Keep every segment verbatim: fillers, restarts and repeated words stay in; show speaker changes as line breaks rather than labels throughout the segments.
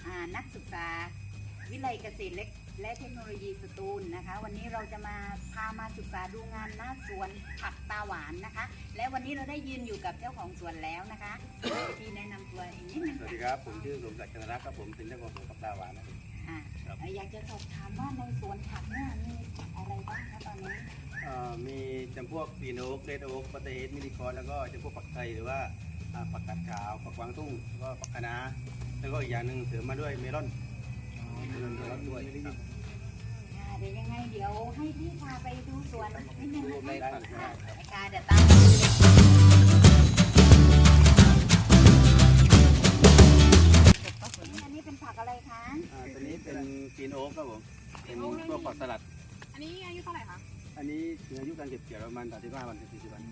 นักศึกษาวิทยาลัยเกษตรเล็กและเทคโนโลยีสตูลนะคะวันนี้เราจะมาพามาศึกษาดูงานหน้าสวนผักตาหวานนะคะและวันนี้เราได้ยืนอยู่กับเจ้าของสวนแล้วนะคะที่แนะนำตัวเองนิดนึง
สวัสดีครับผมชื่อสมศักดิ์ จันทรักษ์ครับผมเป็นเจ้าของสวนผักตาหวานนะครับ
อ่าอยากจะสอบถามว่าในสวนผักเนี่ยมีผักอะไรบ้างคะตอนนี้
เอ่อมีจำพวกปีโนกเรดโอ๊กปัตเตอร์เฮดมินิคอร์แล้วก็จำพวกผักไทยหรือว่าอ่าผักกาดขาวผักกวางตุ้งแล้วก็ผักคะน้าแล้วก็อีกอย่างหนึ่งเสริมมาด้วยเมลอนเมลอนเมลอนด้วยครับ
อ่าเดี๋ยวยังไงเดี๋ยวให้พี่พาไปดูสวนนิดนึงนะคะ
ได้ครับ
ค่ะเดี๋ยวตามมาดูเลยอันนี้เป็นผักอะไรคะ
อ่าตัวนี้เป็นปีโนกครับผมเป็นพวกผักสลัด
อันนี้อายุเท่าไหร่คะ
อันนี้ถึงอายุการเก็บเกี่ยวประมาณสามสิบห้าวันถึงสี่สิบวัน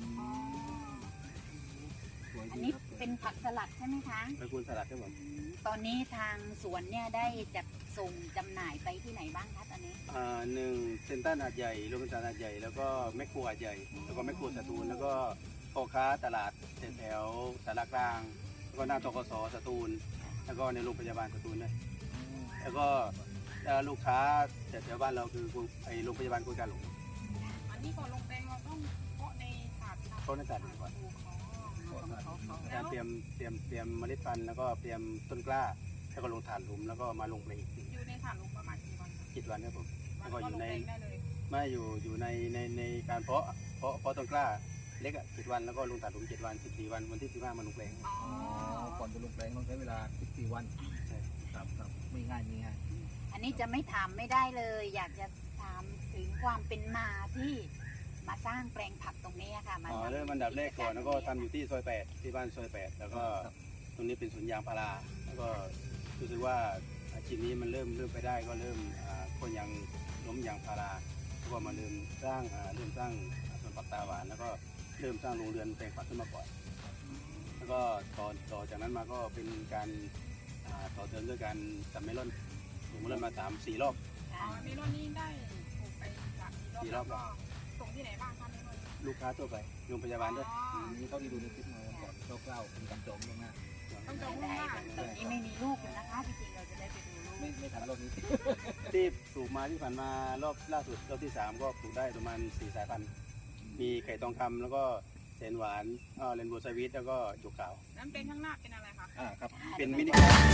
อันนี้เป็นผักสลัดใช่ไหมคะ
ตระกูลสลัดครับผม
ตอนนี้ทางสวนเนี่ยได้จัดส่งจำหน่ายไปที่ไหนบ้างคะตอนนี้
อ่าหนึ่งเซ็นทรัลหาดใหญ่โรบินสันหาดใหญ่แล้วก็แมคโครหาดใหญ่แล้วก็แมคโครสตูลแล้วก็พ่อค้าตลาดแถวๆสารกลางแล้วก็หน้าตกสสตูลแล้วก็ในโรงพยาบาลสตูลด้วยแล้วก็เอ่อลูกค้าแถวๆบ้านเราคือไอโรงพยาบาลกุยกาหลง
อันนี้ก่อนลงแปลงเราต้องเพาะในถาด
เขาในศาสตร์ดีกว่าการเตรียมเตรียมเตรียมเมล็ดพันธุ์แล้วก็เตรียมต้นกล้าแล้วก็ลงถ่านหลุมแล้วก็มาลงเพลงอีก
อยู่ในถาดลงประมาณกี่วัน
กี่วันครับผมแล้วก็
ก็
อ
ล
ยู่
ง
ใน
แปลงได้เลย
ไม่อยู่อยู่ในในในการเพาะเพาะเพาะต้นกล้าเล็กอ่ะเจ็ดวันแล้วก็ลงถ่านหลุมเจ็ดวันสิบสี่วันวันที่สิบห้ามาลงเพลง
อ๋อ
ก่อนจะลงแปลงต้องใช้เวลาสิบสี่วัน
ใช่
ครับครับไม่ง่ายไม่ง่าย
อันนี้จะไม่ถามไม่ได้เลย อยากจะถามถึงความเป็นมาที่มาสร้างแปลงผักตรงนี้ค่ะมา
อ๋อเริ่มอันดับแรกก่อนแล้วก็ทำอยู่ที่ซอยแปดที่บ้านซอยแปดแล้วก็ตรงนี้เป็นสวนยางพาราแล้วก็รู้สึกว่าอาชีพนี้มันเริ่มเริ่มไปได้ก็เริ่มอ่าคนยางล้มยางพาราแล้วก็มาเริ่มสร้างอ่าเริ่มสร้างสวนผักตาหวานแล้วก็เริ่มสร้างโรงเรือนแปลงผักขึ้นมาก่อนแล้วก็ต่อต่อจากนั้นมาก็เป็นการอ่าต่อเติมด้วยการทำเมลอนปลูกเมลอนมาสามสี่รอบ
อ๋อเมลอนนี่ได้ปลูกไปจากกี่รอบแล้วก็ส่งที่ไหนบ้างคะเมลอน
ลูกค้าทั่วไปโรงพยาบาลด้วย
อ๋อ
นี่เท่าที่ดูในคลิปมาก่อนคร่าวๆเป็นการจองล่วงหน้า
ต้องจองล่วง
ได้
หน้า
ตอนนี้ไม่มีลูกเลยนะคะจริงๆเราจะได้ไปดูลูก
ไม่ไม่ทันรอบนี้
ที่ปลูกมาที่ผ่านมารอบล่าสุดรอบที่สามก็ปลูกได้ประมาณสี่สายพันธุ์มีไข่ทองคำแล้วก็แสนหวานเอ่อเรนโบว์สวิตแล้วก็จุกขาว
น้ำเป็นข้างหน้าเป็นอะไรคะ
อ่าครับ
เป็นมินิ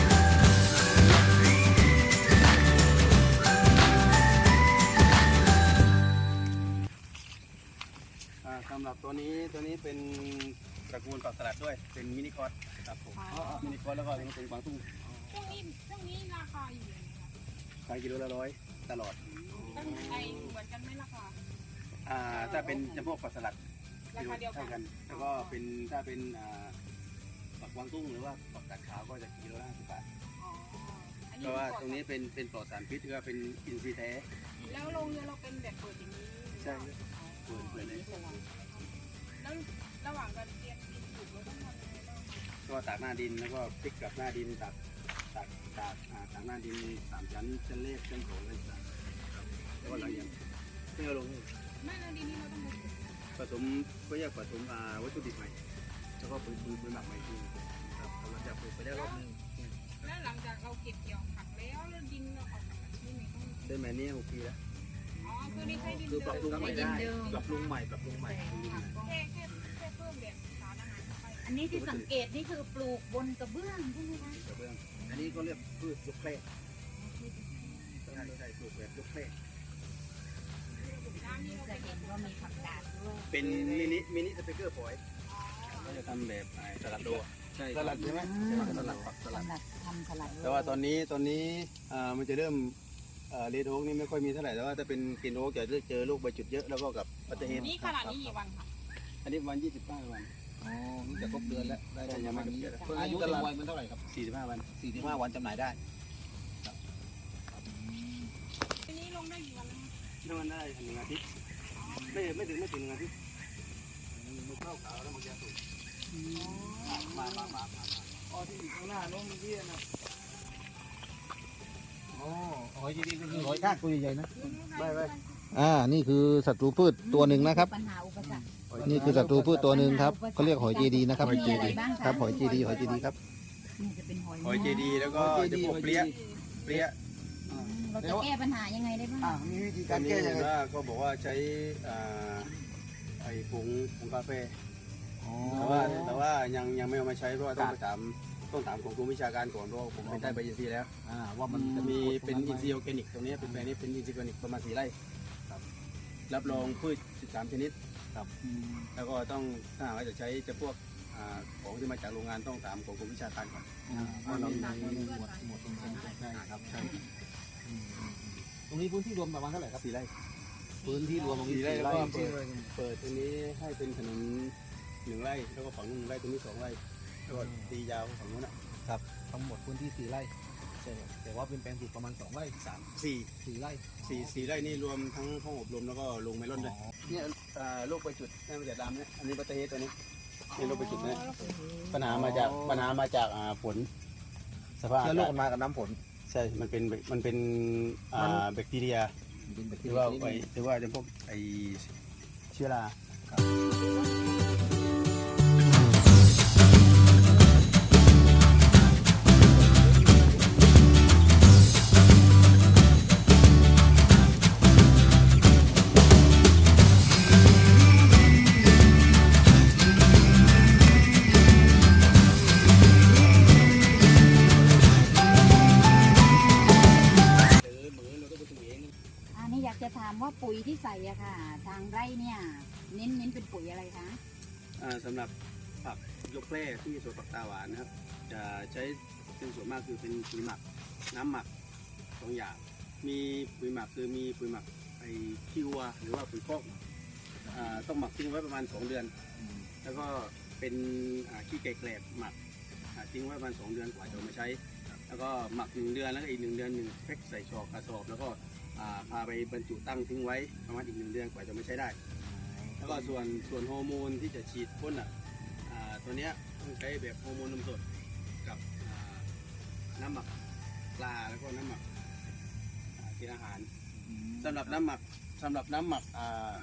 อ่าสำหรับตัวนี้ตัวนี้เป็นตระกูลผักสลัดด้วยเป็นมินิคอร์สครับผมมินิคอร์สแล้วก็ตัวนี้เป็นกวางตุ้ง
ช่วงนี้ช่วงนี้ราคาอยู่ยังไงคะ
ขายกิโลละร้อยตลอด
ตั้งใจเหมือนกันไหมราคา
อ่าถ้าเป็นจำพวกผักสลัด
ราคาเดียวกั
เท่าน กันแล้วก็เป็นถ้าเป็นอ่าผักกวางตุ้งหรือว่าผักกาดขาวก็จะกิโลละห้าสิบบาท
อ๋ออัน
เพ
นี้
ราะว่า
ก่อ
ตรงนี้เป็นเป็นปลอดสารพิษก็เป็นอินทรีย์แท้
แล้วโรงเรือนเราเป็นแบบเปิดอย่างนี้
ใช่เปิดเปิดเลย
แล้วระหว่างการเตรียมดินปลูกเราต้องทำยังไงบ้าง
ก็ตากหน้าดินแล้วก็พลิกกลับหน้าดินตากตากตากอ่าตากหน้าดินสามชั้นชั้นเลขชั้นสองชั้นสามครับแล้วก็หลังอย่างเพื่อลง
ไม่แล้วดินนี้เราต้องปลูก
ผสมก็แยกผสมอ่าวัตถุดิบใหม่แล้วก็ปุ๋ยปุ๋ยปุ๋ยหมักใหม่ทีครับกำลังจะปลูกไปได้รอบนึง
แล้วหลังจากเราเก็บเกี่ยวผักแล้วแล้วดินเราออกจากที่ไหนต้อง
ได้ไหมเนี่ยหกปีแล้ว
อ๋อคือนี่ใช้ดิน
คือปรับปรุง
เดิม
ใหม่ได้ปรับปรุงใหม่ปรับปรุงใหม่
แค่แค่แค่เพิ่มแบบสารอาหารเข้าไป
อันนี้ที่สังเกตนี่คือปลูกบนกระเบื้องใช่ไหมคะ
กระเบื้อง
อันนี้ก็เรียกพืชยกแคร่
ใช่ใช่ปลูกแบบยกเป้
น้ำนี่เรา
จะ
เป็น
เห็นว่ามีผักกาดด้วย
เป็นมินิมินิสเปกเกอร์ฝอยก็จะทำแบบไอ้สลัดโดอะ
ใช่
สลัดใช่ไหม
สลัดผักสลัด
สำหรับทำสลัด
แต่ว่าตอนนี้ตอนนี้อ่ามันจะเริ่มเรดโอ๊กนี่ไม่ค่อยมีเท่าไหร่แต่ว่าถ้าเป็นกรีนโอ๊กจะเจอลูกใบจุดเยอะแล้วก็กับปัตเตอร์เฮด
นี่ขนาดนี้กี่วันคะ
อันนี้ประมาณยี่สิบห้าวัน
อ๋อนี่จะครบเดือนแล้วได้ได้ประมาณนี้
ยังไม่ครบเดือน
เพิ่งอายุเต็มวัยมันเท่าไหร่ครับ
สี่สิบห้าวัน
สี่สิบห้าวันจำหน่ายได้
ทีนี้ลงได้กี่วันแล้ว
ถ้ามันได้หนึ่งอาทิตย์ไม่ไม่ถึงไม่ถึงหนึ่งอาทิตย์มันเข้าขาวแล้วมันจะสุกมามามามาอ๋อที่อยู่ข้างหน้าน้องที่นะ
อ๋อหอยที่นี่ก็คือหอยทากตัวใหญ่ๆนะ
ไม่ไม่
อ่านี่คือศัตรูพืชตัวหนึ่งนะครับ
ปัญหาอุปสรรค
นี่คือศัตรูพืชตัวหนึ่งครับเขาเรียกหอยเจดีนะครับ
มีอะไรบ้างคะ
ครับหอยเจดีหอยเจดีครับ
มนี่จะเป็นหอย
หอยเจดีแล้วก็จะพวกเปรี้ยเปรี้ย
เราจะแก้ปัญหายังไงได้บ้าง
อ่ามีวิธี
กา
การ ร
แก้
แก้
ยั
ยัง ง
ไง
ไง
ก็บอกว่าใช้อ่าไอ้ผงผงกาแฟ
อ๋อ
แต่ว่าแต่ว่ายังยังไม่เอามาใช้เพราะว่าต้องไปถามต้องถามของกรมวิชาการก่อนเพราะว่าผมไปได้ใบอินทรีย์แล้ว
อ่าว่ามันจะ
มีเป็นอินทรีย์
ย์
ออร์แกนิกตรงนี้เป็นแปลงนี้เป็นอินทรีย์ออร์แกนิกประมาณสี่ไร่ครับรับรองพืชสิบสามชนิด
ครับ
แล้วก็ต้องถ้าหากว่าจะใช้จะพวกอ่าของที่มาจากโรงงานต้องถามของกรมวิชาการก่อน
อ่าเพราะเรามีหมวดหมวดตรงนี้ใช่ครับใช่อืมอืมอืมตรงนี้พื้นที่รวมประมาณเท่าไหร่ครับ
สี่ไร่
พื้นที่รวมตรงนี้
สี่ไร่
สี่
แล้ว
ไร่
ก็
จริง
เปิดตรงนี้ให้เป็นถนนหนึ่งไร่แล้วก็ฝั่งนู้นหนึ่งไร่ตรงนี้สองไร่แล้วก็ตียาวฝั่งนู้นอ่ะ
ๆครับทั้งหมดพื้นที่สี่ไร่ใช่ครับแต่ว่าเป็นแปลงปลูกประมาณสองไร่สาม
สี่
สี่ไร่
สี่สี่ไร่นี่รวมทั้งห้องอบรมแล้วก็โรงเมลอนด้วยเนี่ยอ่าโรคใบจุดนี่มาจากดำเนี่ยอันนี้บัตเตอร์เฮดตัวนี้นี่โรคใบจุดเนี่ยปัญหามาจากปัญหามาจากอ่าฝนสภาพ
เชื้อโรคมันมากับน้ำฝน
ใช่ มันเป็นมันเป็นอ่าแบคทีเรีย
มันเป็นแบค
ห
ที
รือ
เรีย
ว่า
ชนิด
ไอ
หนึ่ง
หรือว่าจะพวกไอเชื้อรา
อันนี้อยากจะถามว่าปุ๋ยที่ใส่อะค่ะ ทางไร่เนี่ยเน้นเน้นเป็นปุ๋ยอะไรคะ
อ่าสำหรับผักยกแพร่ที่สวนผักตาหวานนะครับ จะใช้เป็นส่วนมากคือเป็นปุ๋ยหมัก น้ำหมักสองอย่าง มีปุ๋ยหมักคือมีปุ๋ยหมักไอขี้วัวหรือว่าปุ๋ยคอกอ่าต้องหมักทิ้งไว้ประมาณสองเดือน แล้วก็เป็นอ่าขี้ไก่แกลบหมักอ่าทิ้งไว้ประมาณสองเดือนกว่าจะเอามาใช้ แล้วก็หมักหนึ่งเดือนแล้วก็อีกหนึ่งเดือนหนึ่งแพ็คใส่ชอกกระสอบแล้วก็อ่าพาไปบรรจุตั้งทิ้งไว้ประมาณอีกหนึ่งเดือนกว่าจะมาใช้ได้ แล้วก็ส่วนส่วนฮอร์โมนที่จะฉีดพ่นอ่ะอ่าตัวเนี้ยต้องใช้แบบฮอร์โมนนมสดกับอ่าน้ำหมักปลาแล้วก็น้ำหมักอ่ากินอาหารสำหรับน้ำหมักสำหรับน้ำหมักอ่า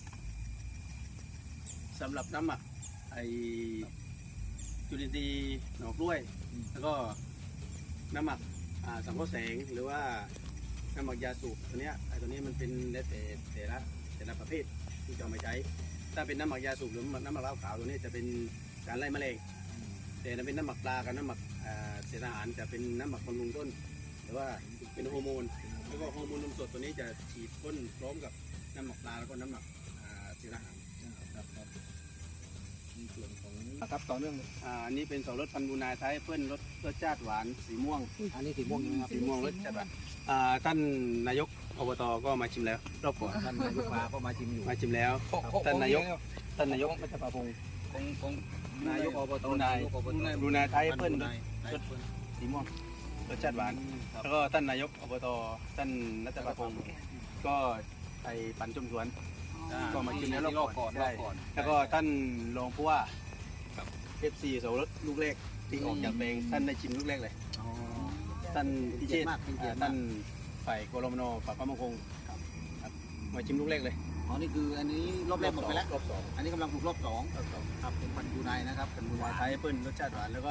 สำหรับน้ำหมักไอจุลินทรีย์หน่อกล้วย แล้วก็น้ำหมักอ่าสังเคราะห์แสงหรือว่าน้ำหมักยาสูบตัวเนี้ยไอตัวนี้มันเป็นแล้วแต่แต่ละแต่ละประเภทที่จะเอามาใช้ ถ้าเป็นน้ำหมักยาสูบหรือน้ำหมักเหล้าขาวตัวนี้จะเป็นการไล่แมลงแต่ถ้าเป็นน้ำหมักปลากับน้ำหมักอ่าเศษอาหารจะเป็นน้ำหมักบำรุงต้น หรือว่าเป็นฮอร์โมนแล้วก็ฮอร์โมนนมสดตัวนี้จะฉีดพ่นพร้อมกับน้ำหมักปลาแล้วก็น้ำหมักอ่าเศษอาหาร
ครับครับมีส่วนของครับต่อเนื่องเลย
อ่าอันนี้เป็นสองรสพันธุ์บูนาไทยเพื่อนรสรสชาติหวานสีม่วง
อันนี้สีม่วงใช่ไหมครับ
สีม่วงรสชาติหวานอ่าท่านนายกอบตก็มาชิมแล้วรอบก่อน
ท่านนายกมาก็มาชิมอยู่
มาชิมแล้ว ท่านนายก ท่านนายกมัจจปาพงศ์
ของของนายกอบต
บรูไน
ยกอบต
บรูไนไทยเปิ้ล
บรูไนไทยเปิ้ล
สีม่วงรสชาติหวาน
ครับ
แล้วก็ท่านนายกอบตท่านนัทปาพงศ์ก็ไปปั่นชมสวน ก็มาชิมแล้วรอบก่อน
รอบก่อน
แล้วก็ท่านรองผู้ว่าเอฟซีสวรสลูกแรกที่ออกจากแปลงท่านได้ชิมลูกแรกเลย
อ๋อ
ท่านพิเชษฐ์
มากเป็นเกียรติมาก
ท่านฝ่ายกรมนฝ่ายความมั่นคงครับมาชิมลูกแรกเลย
อ๋อนี่คืออันนี้รอบแรกหมดไปแล้ว
รอบสอง
อันนี้กำลังปลูกรอบสอง
รอบสอง
ครับเป็นพันธุ์ยูไนนะครับเป็น
บรู
ยู
ไน
ไน
ไทยเปิ้ลรสชาติหวานแล้วก็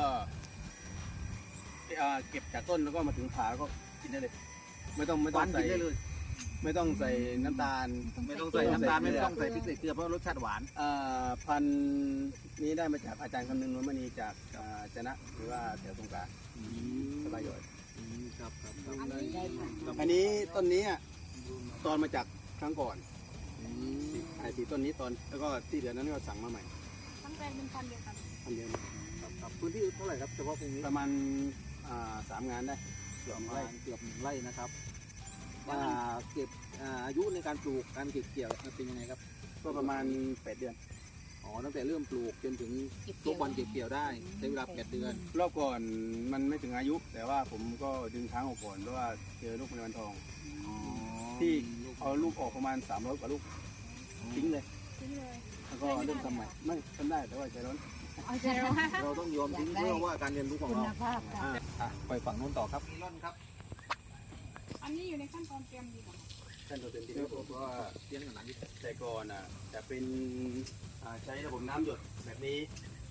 อ่าเก็บจากต้นแล้วก็มาถึงผาก็กินได้เลย ไม่ต้องไม่
ห
ต้อ
วาง น
ใส่
กินได้เลย
ไม่ต้องใส่น้ำตาล
ไม่ต้องใส่น้ำตาลไม่ต้องใส่พริกใส่เกลือเพราะรสชาติหวาน
อ่าพันธุ์นี้ได้มาจากอาจารย์คำนึงนวลมณีจากอ่าชนะหรือว่าแถวสงขลาสบายย่อย
ครับครับครับ
อันนี้ได้ค่ะ
อันนี้ต้นนี้อ่ะตอนมาจากครั้งก่อนไอ้สีต้นนี้ตอนแล้วก็ที่เหลือนั้นก็สั่งมาใหม่
ทั้งแปลงเป็นพันธุ์เดียวกัน
พันเดียว
ครับครับพื้นที่เท่าไหร่ครับเฉพาะตรงนี้
ประมาณอ่าสามงานได้
เกือบไร่เกือบหนึ่งไร่นะครับว่าเก็บอ่าอายุในการปลูกการเก็บเกี่ยวเป็นยังไงครับ
ก็ประมาณแปดเดือน
อ๋อตั้งแต่เริ่มปลูกจนถึงทุกวันเก็บเกี่ยวได้ใช้เวลาแปดเดือน
รอบก่อนมันไม่ถึงอายุ แต่ว่าผมก็ดึงช้างออกก่อนเพราะว่าเจอลูกในวันทอง ที่เอาลูกออกประมาณสามร้อยกว่าลูกทิ้งเลย
ทิ้งเลย
แล้วก็เริ่มทำใหม่ไม่ทำได้แต่ว่าใจร้อน
เอาใจเรา
เราต้องยอมทิ้งเพื่อว่าการเรียนรู้ของ
คุณ
เรา
ภาพค่ะ
อ่าอ่ะไปฝั่งนู้นต่อครับนี่ร่อนครับ
อันนี้อยู่ในขั้นตอนเตรียมดีกว่า
ขั้นตอนเต็มที่
เดี๋ยวผมว่าเรียนกันหลังนี้
แต่ก่อนอ่ะจะเป็นอ่าใช้ระบบน้ำหยดแบบนี้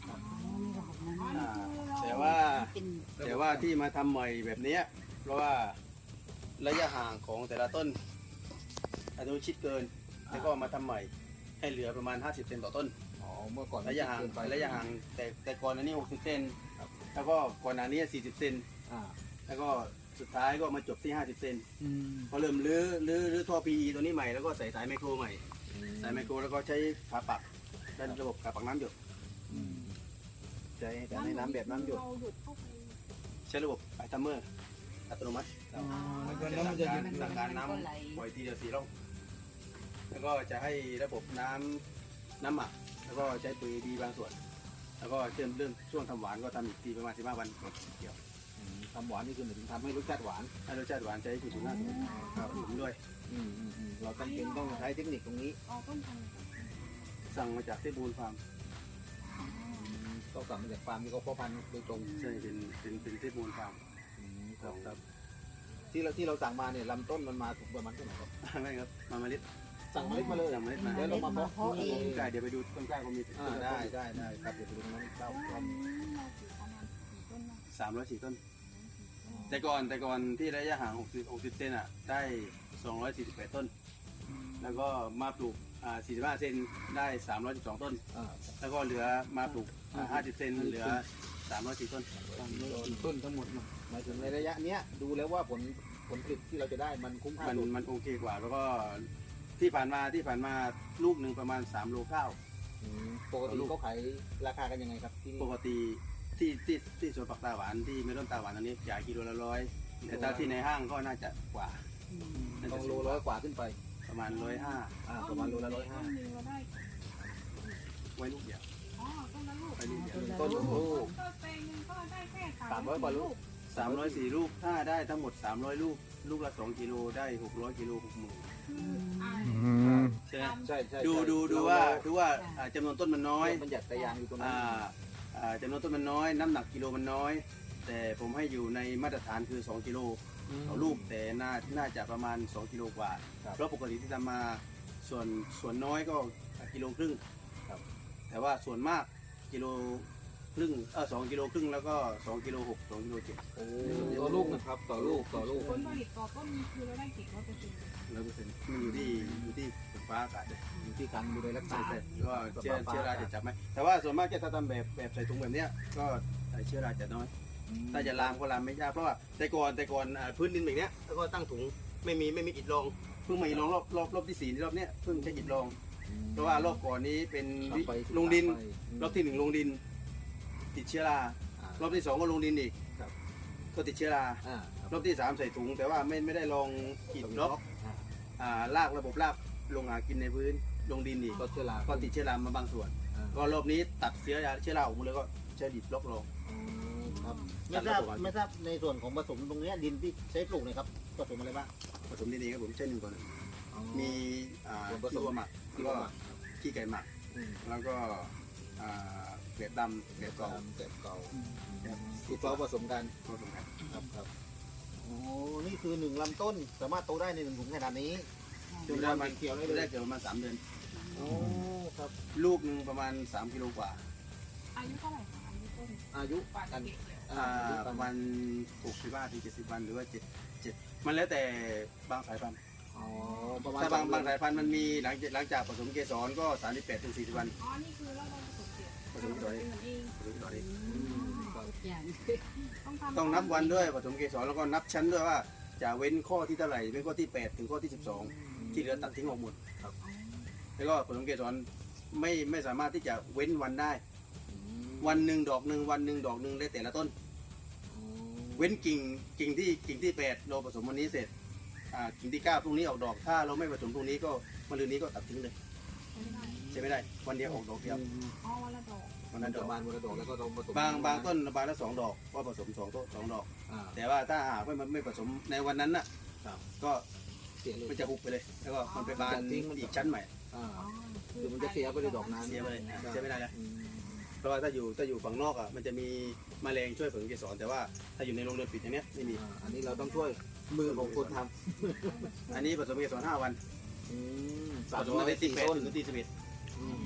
อ่าแต่ว่าแต่ว่าที่มาทำใหม่แบบเนี้ยเพราะว่าระยะห่างของแต่ละต้นอาจจะชิดเกินแล้วก็มาทำใหม่ให้เหลือประมาณห้าสิบเซนต่อต้น
อ๋อเมื่อก่อน
ระยะห่าง
เกินไประ
ยะห่างแต่แต่ก่อนอันนี้หกสิบเซนแล้วก็ก่อนอันนี้สี่สิบเซน
อ่า
แล้วก็สุดท้ายก็มาจบที่ห้าสิบเซน
อืม
พอเริ่มลื้อลื้อลื้อท่อ พี อี ตัวนี้ใหม่แล้วก็ใส่สายไมโครใหม่สายไมโครแล้วก็ใช้ขาปักด้านระบบขาปักน้ำหยด
อืม
ใช้แต่ในน้ำแบบน้ำหยด
เราหยุดเข้าไป
ใช้ระบบไอทัมเมอร์อัตโนมัติ
อ๋อ
จะ
แล้ว
สั่
มั
ง
นจะ
การ
หยุด
สั่งการน้ำปล่อยทีเดียวสี่ร่องแล้วก็จะให้ระบบน้ำน้ำหมักแล้วก็ใช้ปุ๋ยดีบางส่วน แล้วก็เริ่มเริ่มช่วงทำหวานก็ทำอีกทีประมาณสิบห้าวันก่อนเกี่ยว
อืมทำหวานนี่คือหมายถึงทำให้รสชาติหวาน
ให้รสชาติหวานใช้ปุ๋ยสูงหน้าครับผมด้วย
อืมอืมอืมเราจำเป็นต้องใช้เทคนิคตรงนี้
อ๋อต้นพันธุ์
สั่งมาจากที่บูนฟาร์ม
ต้องสั่งมาจากฟาร์มที่เขาเพาะพันธุ์โดยตรง
ใช่เป็นเป็นเป็นที่บูนฟาร์ม
อืมครับครับที่เราที่เราสั่งมาเนี่ยลำต้นมันมาถูกประมาณเท่าไหร่ครับ
ไม่ครับมาเมล็ด
สั่งเมล็ดมาเลย
สั่งเมล็ดมา
แล้วเรามาเพาะ
เพาะเอง
ใช่เดี๋ยวไปดูต้นกล้าก็มี
อ่าได้ได้ได้ครับเดี๋ยวไปดูตรงนั้นเต้า
แล้ว
ครั
อั
บ
นนี้เราปลูกประมาณกี่ต้นนะ
สามร้อยสี่ต้น แต่ก่อนแต่ก่อนที่ระยะห่างหกสิบ หกสิบเซนอ่ะได้สองร้อยสี่สิบแปดต้น แล้วก็มาปลูกอ่าสี่สิบห้าเซนได้สามร้อยสิบสองต้น
อ่า
แล้วก็เหลือมาปลูกอ่าห้าสิบเซนเหลือสามร้อยสี่ต้น
ต้นทั้งหมดเนอะหมายถึงในระยะเนี้ยดูแล้วว่าผลผลผลิตที่เราจะได้มันคุ้มค่า
มัน
สุด
มันโอเคกว่า แล้วก็ที่ผ่านมาที่ผ่านมาลูกหนึ่งประมาณสามโลเก้า
อืมปกติเขาขายราคากันยังไงครับที่นี่
ปกติที่ที่ที่สวนปักตาหวานที่เมลอนตาหวานอันนี้ขายกิโลละร้อยแต่ถ้าที่ในห้างก็น่าจะกว่าน่า
ต้
จะ
องโลร้อยกว่าขึ้นไป
ประมาณร้อยห้า
อ่าประมาณโลละร้อยห้า
ต้นหนึ่งเราได้
ไว้ลูกเดียว
อ๋อต้นละลูก
ไว้ลูกเดียว
ต้นลูก
ต้นแปลงหนึงก็ได้แค่
สามร้อยกว่าลูก
สามร้อยสี่ลูกถ้าได้ทั้งหมดสามร้อยลูก ลูกละสองกิโลได้หกร้อยกิโลหกหมื่น
คืออ่า
ใช่ไหม
ใช่ใช่
ดู
ใช่
ดูดู
เร
ว่า
เร
ดูว่าอ่าจำนวนต้นมันน้อย
มันหยัดตะยางอยู่ตรงนั้น
อ่าอ่าจำนวนต้นมันน้อย น้ำหนักกิโลมันน้อย แต่ผมให้อยู่ในมาตรฐานคือ 2 กิโลต่อลูก แต่น่าน่าจะประมาณ 2 กิโลกว่า เพราะปกติที่ทำมาส่วนส่วนน้อยก็กิโลครึ่ง
ครับ
แต่ว่าส่วนมากกิโลครึ่งเออสองกิโลครึ่งแล้วก็สองกิโลหกสองกิโลเจ็ด
โอ้ต่อลูกนะครับต่อลูกต่อลูก
ผลผลิตต่อต้นคือเราได้เก็บร้อยเปอร์เซ็นต์
ร้อยเปอร์เซ็นต์มันอยู่ที่อยู่ที่ฝนฟ้าอากาศเลย
อยู่ที่การดูแลรักษา
ใช่ใช่ก็เชื้อเชื้อราจะจับไหมแต่ว่าส่วนมากจะถ้าทำแบบแบบใส่ถุงแบบเนี้ยก็เชื้อราจะน้อย ถ้าจะลามก็ลามไม่ยากเพราะว่าแต่ก่อนแต่ก่อนอ่าพื้นดินแบบเนี้ยแล้วก็ตั้งถุงไม่มีไม่มีอิฐรองเพิ่งมาอิฐรองรอบรอบรอบที่สี่รอบเนี้ยเพิ่งใช้อิฐรอง เพราะว่ารอบก่อนนี้เป็นวิ
ไป
ลงดิน
ไป
รอบที่หนึ่งลงดิน ติดเชื้อรา
อ่าร
อบที่สองก็ลงดินอีก
ครับ
ก็ติดเชื้อรา
อ่าร
อบที่สามใส่ถุง แต่ว่าไม่ไม่ได้ลองอิฐบล็อก
อ่า
อ่าลากระบบลากลงหากินในพื้นลงดินอีก
ก็เชื้อรา
ก็ติดเชื้อรามาบางส่วน
อ่า
ก็รอบนี้ตัดเชื้อราเชื้อราออกหมดเลยก็ใช้ดิบบล็อกลง
อืมครับ
ไม่ทราบไม่ทราบในส่วนของผสมตรงเนี้ยดินที่ใช้ปลูกเนะครับผสมอะไรบ้าง
ผสมดีๆครับผมใช้หนึ่งก่อน
อ๋อ
มีอ่า
ส่วนผสม
ขี้วัวหมัก
ที่
ก็
ว่า
ขี้ไก่หมัก
อืม
แล้วก็อ่าเกล็ดดำเกล็ดกรอบ
เก็บเก่า
ครับ
ที่เราผสมกัน
ผสมกัน
ครับครับ
โอ้นี่คือหนึ่งลำต้นสามารถโตได้ในหนึ่งถุงขนาดนี้จน
ได้
วัน
มัน
เขียวได้
ได้
เลย
เกี่ยวประมาณสามเดือน
โอ้ครับ
ลูกหนึ่งประมาณสามกิโลกว่า
อายุเท่าไหร่คะอายุต้น
อายุ
กว่า
กั
จะ
น
เก็บเนี่ย
อ่าประมาณหกสิบห้าถึงเจ็ดสิบวันหรือว่าเจ็ดเจ็ดมันแล้วแต่บางสายพันธุ์
อ๋อประมาณ
ถ้าบาง
ส
บาง
เดือน
สายพันธุ์มันมีหลังจากหลังจากผสมเกสรก็สามสิบแปดถึงสี่สิบวัน
อ๋อนี่คือเราลองผสมเก็บ
ผสมเกสร
เป็นเหมือนเอง
ผสมเกสรเอง
อืมครับ
อย่าง
ต้องทำ
ต้องนับวันด้วยผสมเกสรแล้วก็นับชั้นด้วยว่าจะเว้นข้อที่เท่าไหร่เว้นข้อที่แปดถึงข้อที่สิบสองที่เหลือตัดทิ้งออกหมด
อ๋อ
แล้วก็ผสมเกสรไม่ไม่สามารถที่จะเว้นวันได้
อืม
วันหนึ่งดอกหนึ่งวันหนึ่งดอกหนึ่งได้แต่ละต้น
อืม
เว้นกิ่งกิ่งที่กิ่งที่แปดเราผสมวันนี้เสร็จอ่ากิ่งที่เก้าพรุ่งนี้ออกดอกถ้าเราไม่ผสมพรุ่งนี้ก็วันรืนนี้ก็ตัดทิ้งเลย
ไม่ได้
ใช่ไม่ได้วันเดียวออกดอกเดียว
อ๋อวันละดอก
วัน
มั
นั้น นด
จะ
อก
บานวันละดอกแล้วก็ต้องผสม
บางบางต้นบานละสองดอกก็ผสมสองต้นสองดอก
อ่า
แต่ว่าถ้าหากว่ามันไม่ผสมในวันนั้นน่ะ
ครับ
ก็
เสียเลย
มันจะหุบไปเลย แล้วก็มันไปบาน
จะทิ้งมัน
อีกชั้นใหม่
อ่า
อ๋อ
คือมันจะเสียไปเลยดอกนั้น
เสียไปเลยอ่ะใช้ไม่ได้แล้ว
อืม
เพราะว่าถ้าอยู่ถ้าอยู่ฝั่งนอกอ่ะมันจะมีแมลงช่วยผสมเกสรแต่ว่าถ้าอยู่ในโรงเรือนปิดอย่างเนี้ยไม่มี
อ่าอันนี้เราต้องช่วยมือของคนท
อันนี้ผสมเกสรห้าวัน
ำอืม
ผสมตั้งแต่ที่แปด
ต้น
ถึงที่สิบเอ็ด
อืม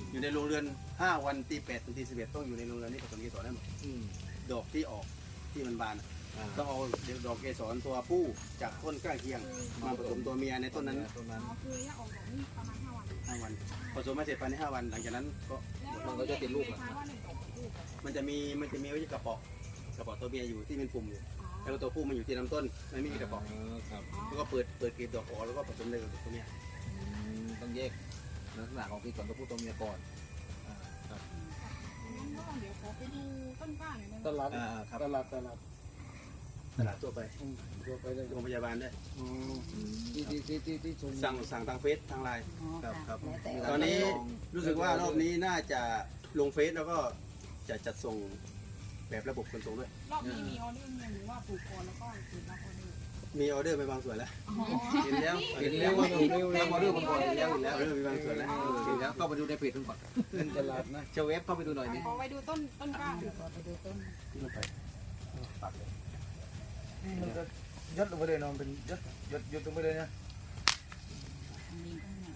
อยู่ในโรงเรือนห้าวันตีแปดถึงตีสิบเอ็ดต้องอยู่ในโรงเรือนนี่ผสมเกสรได้หมด
อืม
ดอกที่ออกที่มันบาน
อ่า
ต้องเอาดอกเกสรตัวผู้จากต้นใกล้เคียงมาผสมตัวเมียในต้นนั้น
ต้นนั้น
อ๋อคือย่าออกดอกนี่ประมาณห้าวัน
ห้าวันผสมมาเสร็จภายในห้าวันหลังจากนั้นก็
แล้วเราแยกยังไงคะว่าหนึ่งดอกกับลูกอะ
มันจะมีมันจะมีไว้ที่กระเป๋อกระเป๋อตัวเมียอยู่ที่เป็นปุ่มอยู่
อ๋อ
แล้วก็ตัวผู้มันอยู่ที่ลำต้นมันไม่มีกระเป๋อ
ครับ
แล้วก็เปิดเปิดกลีบดอกออกแล้วก็ผสมเลยกับตัวเมีย
อืมต้องแยกลักษณะของที่ก่อนตัวผู้ตัวเมียก่อนอ่าครับ
งั้นก็เดี๋ยวขอไปดูต้นกล้าหน่อยได้ไหม
ตลาด
อ่าครับ
ตลาดตลาด
ตลาดทั่วไป
อืมตัวไปเลย
โรงพยาบาลด้วย
อืมที่ที่ที่ที่ที่ชม
สั่งสั่งทางเฟซทางไลน์
อ๋อ
ครับครับ
แล้วแต่
ตอนนี้รู้สึกว่ารอบนี้น่าจะลงเฟซแล้วก็จะจัดส่งแบบระบบขนส่งด้วย
รอบนี้มีออเดอร์เนี่ยหรือว่าปลูกก่อนแล้วก็เปิดรับออเดอร์
มีออเดอร์ไปบางส่วนแล้ว
อ๋อ
เห็นแล้ว
เห็นแล้วว่าถูก
เห็น
เร็วๆ
ออเดอร์มาก่อนเห็นแล้วเห็นแล้วออเดอร์ไปบางส่วนแล้ว
เห็นแล้วเข้าไปดูในเพจทุกคนเป็นตลาดนะเชลเวฟเข้าไปดูหน่อยนี่
ขอไปดูต้นต้นกล้าหน่อย
ขอไปดูต้น
ที่มันไปปักเลย
มันจะยัดลงไปเลยเนาะเป็นยัดยัดยัดลงไปเลยนะ
มีต้นห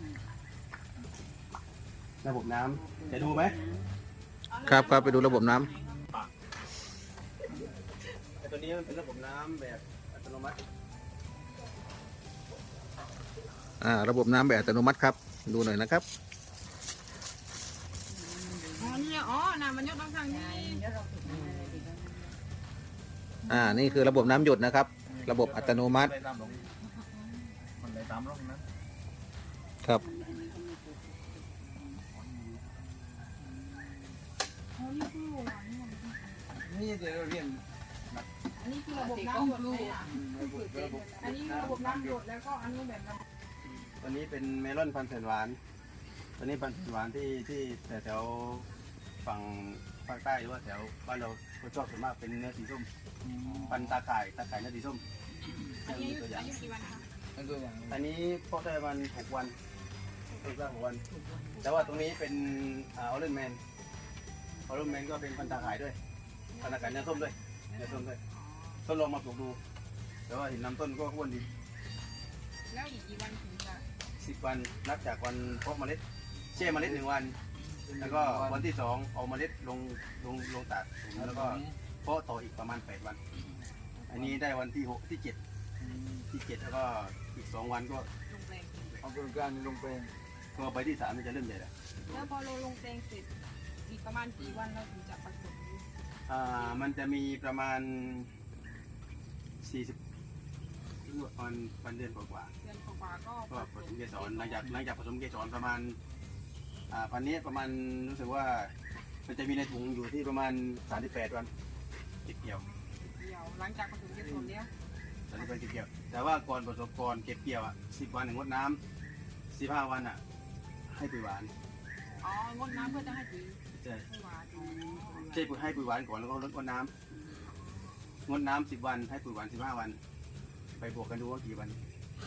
นัก
ระบบน้ำจะดูไหม
ครับครับไปดูระบบน้ำ
แต่ตัวนี้มันเป็นระบบน้ำแบบอัตโนมัติ
อ่าระบบน้ำแบบอัตโนมัติครับดูหน่อยนะครับ
อ๋อเนี่ยอ๋อน้ำมันยกต้องทางนี้
เดี๋ยวเราฝึกงานอะไรดีบ้าง
อ่านี่คือระบบน้ำหยดนะครับ ระบบอัตโนมัติ
ไปตามหลงมันไปตามหลงนั้น
ครับ
อันนี้ก็มีปลูก
อ๋อนี่คือหวานนี่มัน
นี่เดี๋ยวเราเรียน
อันนี้คือระบบน้ำหยดเลยอ่ะอันนี้คือระบบน้ำหยดแล้วก็อันนี้แบบน้ำ
ตัวนี้เป็นเมลอนพันธุ์แสนหวานตัวนี้พันธุ์แสนหวานที่ที่แต่แถวฝั่งภาคใต้หรือว่าแถวบ้านเราก็ชอบส่วนมากเป็นเนื้อสีส้มพันธุ์ตาข่ายตาข่ายเนื้อสีส้ม
อันนี้
มี
อายุ
ตัวอย่าง
อายุกี่วันคะ
นั่นตัวอย่าง
อันนี้เพาะได้ประมาณหกวันต้นกล้าหกวัน แต่ว่าตรงนี้เป็นออเรนแมนออเรนแมนก็เป็นพันธุ์ตาข่ายด้วยพันธุ์ตาข่ายเนื้อส้มด้วยเนื้อส้มด้วยทดลองมาปลูกดู แต่ว่าเห็นลำต้นก็อ้วนดี
แล้วอีกกี่วันถึงจะ
สิบวันนับจากวันเพาะเมล็ดแช่เมล็ดหนึ่งวัน แล้วก็วันที่สองเอาเมล็ดลงลงลงตากถุงแล้วก็เพาะต่ออีกประมาณแปดวัน อันนี้ได้วันที่หกที่เจ็ดที่เจ็ดแล้วก็อีกสองวันก็
ลงแปลง
เอาเป็นการลงแปลง
ก็ไปที่สามมันจะเริ่มใหญ่แล้ว
แล้วพอเราลงแปลงเสร็จอีกประมาณกี่วันเราถึงจะผสม
อ่ามันจะมีประมาณสี่สิบวันวันเดือนกว่า
เดือนกว่าๆก็
ๆก็ผสมเกสรหลังจากหลังจากผสมเกสรประมาณอ่าพันนี้ประมาณรู้สึกว่ามันจะมีในถุงอยู่ที่ประมาณสามสิบแปดวันเก็บเกี่ยว
เดียวหลังจากผสมเกสรแล้ว
สามสิบแปดเก็บเกี่ยว แต่ว่าก่อนผสมก่อนเก็บเกี่ยวอ่ะสิบวันหนึ่งงดน้ำสิบห้าวันอ่ะให้ปุ๋ยหวาน
อ๋องดน้ำเพื่อจะให้ปุ๋ย
ใช่
ให้หวาน
ใช่ปุ๋ยให้ปุ๋ยหวานก่อนแล้วก็ลดงดน้ำงดน้ำสิบวันให้ปุ๋ยหวานสิบห้าวัน ไปบวกกันดูว่ากี่วัน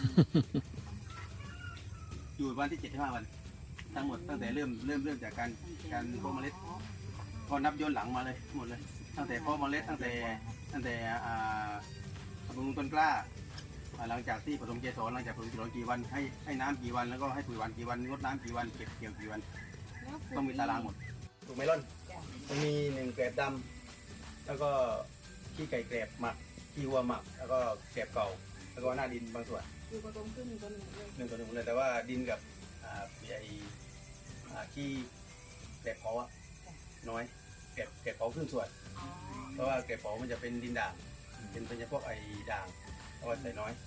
อยู่วันที่เจ็ดสิบห้าวัน ทั้งหมดตั้งแต่เริ่มเริ่มเริ่มจากการการเพาะเมล็ดก็นับย้อนหลังมาเลยหมดเลย ตั้งแต่เพาะเมล็ดตั้งแต่ตั้งแต่อ่าบำรุงต้นกล้าอ่าหลังจากที่ผสมเกสรหลังจากผสมเกสรกี่วันให้ให้น้ำกี่วันแล้วก็ให้ปุ๋ยหวานกี่วันงดน้ำกี่วันเก็บเกี่ยวกี่วัน
แล้วปุ๋ย
ต้องมีตารางหมดถูกเมลอนมันมีหนึ่งแกลบดำแล้วก็ขี้ไก่แกลบหมักขี้วัวหมัก แล้วก็แกลบเก่า แล้วก็หน้าดินบางส่วน
คือผสมขึ้นหนึ่งต่อหนึ่งเลย
หนึ่งต่อหนึ่งเลยแต่ว่าดินกับอ่าไอ้อ่าขี้แกลบเผาอะน้อยแกลบแกลบเผาครึ่งส่วน
อ๋อ
เพราะว่าแกลบเผามันจะเป็นดินด่างเป็นเป็นเฉพาะไอ้ด่างเอาไว้ใส่น้อย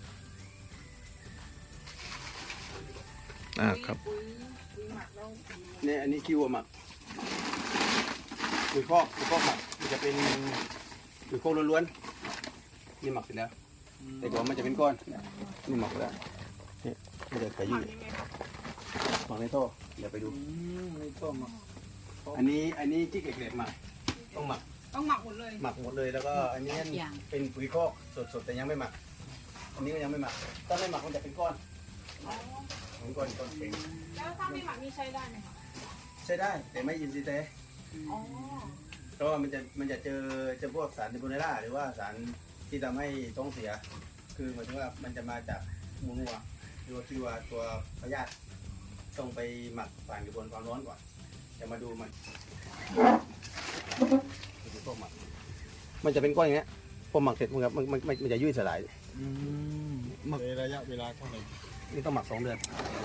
อ่าครับ
ปุ๋ยปุ๋ยหมักแล้ว
เนี่ยอันนี้ขี้วัวหมักปุ๋ยคอกปุ๋ยคอกหมักมันจะเป็นปุ๋ยคอกล้วนๆนี่หมักเสร็จแล้ว แต่ก่อนมันจะเป็นก้อนนี่หมักแล้วนี่มันจะไป
หมั
ยื
ก
ด
ยังไงครับ
หมักในท่อเดี๋ยวไปดู
อืมนี่ก็มา
อันนี้อันนี้ที่เกล็ดหมักต้องหมัก
ต้องหมักหมดเลย
หมักหมดเลยแล้วก็อันนี้เป็นปุ๋ยคอกสดๆแต่ยังไม่หมัก อันนี้ก็ยังไม่หมักถ้าไม่หมักมันจะเป็นก้อน
อ๋อ
เป็นก้อนก้อนแข็ง
แล้วถ้าไม่หมักนี่ใช้ได้ไหมคะ
ใช้ได้แต่ไม่ยินซีเต
อ๋อ
เพราะว่ามันจะมันจะเจอเจอพวกสารไทโบเนล่าหรือว่าสารที่ทำให้ท้องเสีย คือหมายถึงว่ามันจะมาจากมูนัวหรือว่าที่ว่าตัวพยาธิต้องไปหมักผ่านกระบวนความร้อนก่อนจะมาดูมันดูพวกหมักมันจะเป็นก้อนอย่างเงี้ยพอหมักเสร็จมันมันมันมันจะยุ่ยสลายหมัก
ระยะเวลาเท่าไหร่
นี่ต้องหมักสองเดือน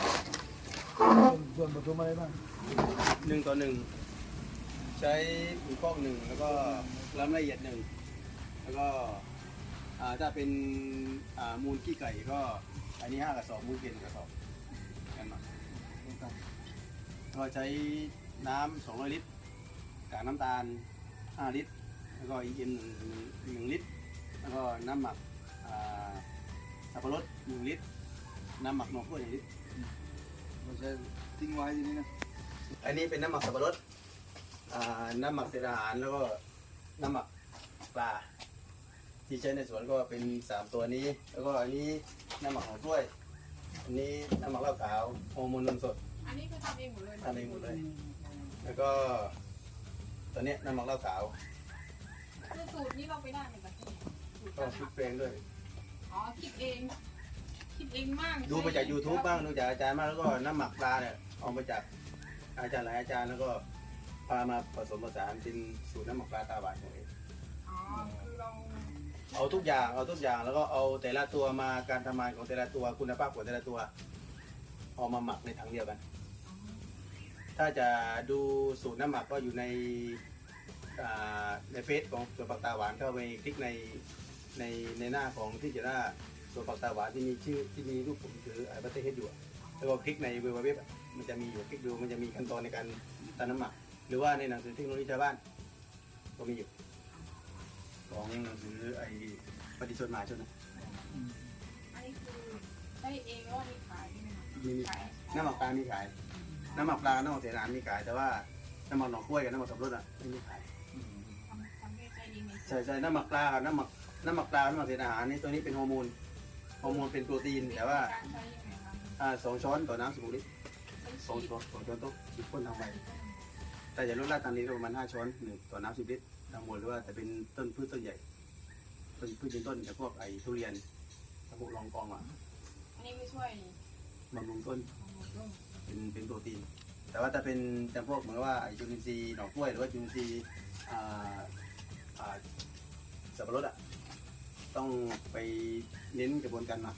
ส่วนผสมอะไรบ้าง
หนึ่งต่อหนึ่งใช้ปุ๋ยคอกหนึ่งแล้วก็ล้ำละเอียดหนึ่งแล้วก็อ่าถ้าเป็นอ่ามูลขี้ไก่ก็อันนี้ห้ากระสอบมูลเกนกระสอบกันมาก็ใช้น้ำสองร้อยลิตรกากน้ำตาลห้าลิตรแล้วก็อีเอ็มหนึ่งหนึ่งลิตรแล้วก็น้ำหมักอ่าสับปะรดหนึ่งลิตรน้ำหมักหน่อขั้วหนึ่งลิตร
เราจะทิ้งไว้ที่นี่นะ
อันนี้เป็นน้ำหมักสับปะรดอ่าน้ำหมักเศษอาหารแล้วก็น้ำหมักปลาที่ใช้ในสวนก็เป็นสามตัวนี้ แล้วก็อันนี้น้ำหมักของกล้วย อันนี้น้ำหมักเหล้าขาวโฮอร์โมนนมสด
อันนี้คือทำเองหมดเลย
ทำเองหมดเลย แล้วก็ตัวเนี้ยน้ำหมักเหล้าขาว
คือสูตรนี้เราไปได้ในประเทศสูตร
ก็
การ
คิด
ทำ
เพลงด้วย
อ๋อคิดเองคิดเองมาก
ดูมาจาก YouTube บ้างดูจากอาจารย์มากแล้วก็น้ำหมักปลาเนี่ยเอามาจากอาจารย์หลายอาจารย์แล้วก็พามาผสมผสานเป็นสูตรน้ำหมักปลาตาหวานของเอง
อ๋อคือเรา
เอาทุกอย่างเอาทุกอย่างแล้วก็เอาแต่ละตัวมาการทำงานของแต่ละตัวคุณภาพของแต่ละตัวเอามาหมักในถังเดียวกัน ถ้าจะดูสูตรน้ำหมักก็อยู่ในอ่าในเฟซของสวนผักตาหวานเข้าไปคลิกในในในหน้าของที่จะหน้าสวนผักตาหวานที่มีชื่อที่มีรูปผมถือไอ้บัตเตอร์เฮดอยู่อะแล้วก็คลิกในเว็บเว็บมันจะมีอยู่คลิกดูมันจะมีขั้นตอนในการทำน้ำหมัก หรือว่าในหนังสือเทคโนโลยีชาวบ้านก็มีอยู่ของหนังสือไอ้ปฏิชนหมายชนนะ
อันนี้คือได้เองแล้วมีขายใช่ไหมคะ
มีมี
ขาย
น้ำหมักปลามีขาย น้ำหมักปลาน้ำหมักเสนามีขาย แต่ว่าน้ำหมักหน่อกล้วยกับน้ำหมักสับปะรดอ่ะไม่มีขาย
ทำทำได้ใจเองใน
ใช่ใช่น้ำหมักปลากับน้ำหมักน้ำหมักปลาน้ำหมักเศษอาหารนี่ตัวนี้เป็นฮอร์โมนฮอร์โมนเป็นโปรตีนแต่ว่า
การใช้ยังไงคะ
อ่าสองช้อนต่อน้ำสิบลิตร
ใช้
สอง
ฉีด
ช้อนสองช้อนโต๊ะฉีดพ่นทางใบแต่อย่าลดละตามนี้ก็ประมาณห้าช้อนหนึ่งต่อน้ำสิบลิตรทั้งหมดหรือว่าแต่เป็นต้นพืชต้นใหญ่ต้นพืชยืนต้นอย่างพวกไอ้ทุเรียนพวกรองกองอ่ะ
อันนี้ไม่ช่วย
บำรุงต้น
ของหมดเลย
เป็นเป็นโปรตีน แต่ว่าถ้าเป็นจำพวกเหมือนว่าไอ้จุลินทรีย์หน่อกล้วยหรือว่าจุลินทรีย์อ่าอ่าสับปะรดอ่ะต้องไปเน้นกระบวนการหมัก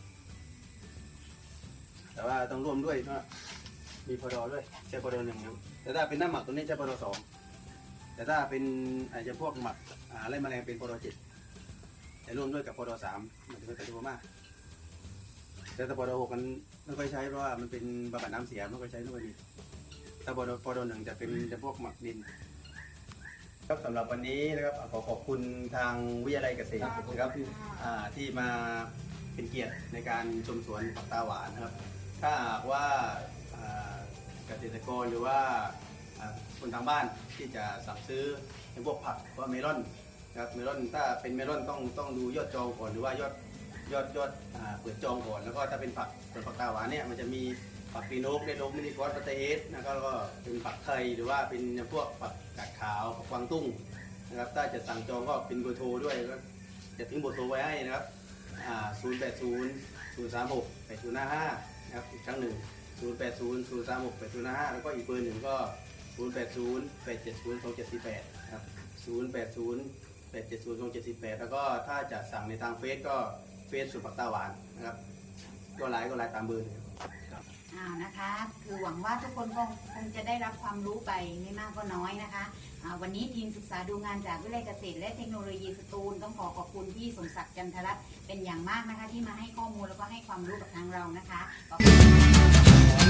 แต่ว่าต้องร่วมด้วยก็มีพอดอด้วยใช้พอดอหนึ่งนะแต่ถ้าเป็นน้ำหมักตัวนี้ใช้พอดอสองแต่ถ้าเป็นอาจจะพวกหมักอ่าไล่แมลงเป็นพอดอเจ็ดแต่ร่วมด้วยกับพอดอสามมันจะเป็นตัวมากแต่ถ้าพอดอหกมันไม่ค่อยใช้เพราะว่ามันเป็นบำบัดน้ำเสียไม่ค่อยใช้ไม่ค่อยดีถ้าพอดอพอดอหนึ่งจะเป็นจะพวกหมักดินครับสำหรับวันนี้นะครับขอขอบคุณทางวิทยาลัยเกษตรนะครับที่อ่าที่มาเป็นเกียรติในการชมสวนผักตาหวานนะครับ ถ้าหากว่าอ่าเกษตรกรหรือว่าอ่าคนทางบ้านที่จะสั่งซื้อในพวกผักว่าเมลอนนะครับเมลอนถ้าเป็นเมลอนต้องต้องดูยอดจองก่อนหรือว่ายอดยอดยอดอ่าเปิดจองก่อนแล้วก็ถ้าเป็นผักส่วนผักตาหวานเนี่ยมันจะมีผักปีโนกเดโนมินิคอสปาเตเอสนะครับแล้วก็เป็นผักไทยหรือว่าเป็นพวกผักกาดขาวผักกวางตุ้งนะครับถ้าจะสั่งจองก็เป็นเบอร์โทรด้วยก็จะทิ้งเบอร์โทรไว้ให้นะครับศูนย์แปดศูนย์ศูนย์สามหกแปดศูนย์ห้าห้านะครับอีกครั้งหนึ่งศูนย์แปดศูนย์ศูนย์สามหกแปดศูนย์ห้าห้าแล้วก็อีกเบอร์หนึ่งก็ศูนย์แปดศูนย์แปดเจ็ดศูนย์สองเจ็ดสี่แปดครับศูนย์แปดศูนย์แปดเจ็ดศูนย์สองเจ็ดสี่แปดแล้วก็ถ้าจะสั่งในทางเฟซก็เฟซสุดผักตาหวานนะครับก็ไลน์ก็ไลน์ตามเบอร์เลยครับ
อ่านะคะ คือหวังว่าทุกคนคงคงจะได้รับความรู้ไปไม่มากก็น้อยนะคะอ่าวันนี้ทีมศึกษาดูงานจากวิทยาลัยเกษตรและเทคโนโลยีสตูลต้องขอขอบคุณพี่สมศักดิ์จันทรัตน์เป็นอย่างมากนะคะที่มาให้ข้อมูลแล้วก็ให้ความรู้กับทางเรานะคะขอบคุณ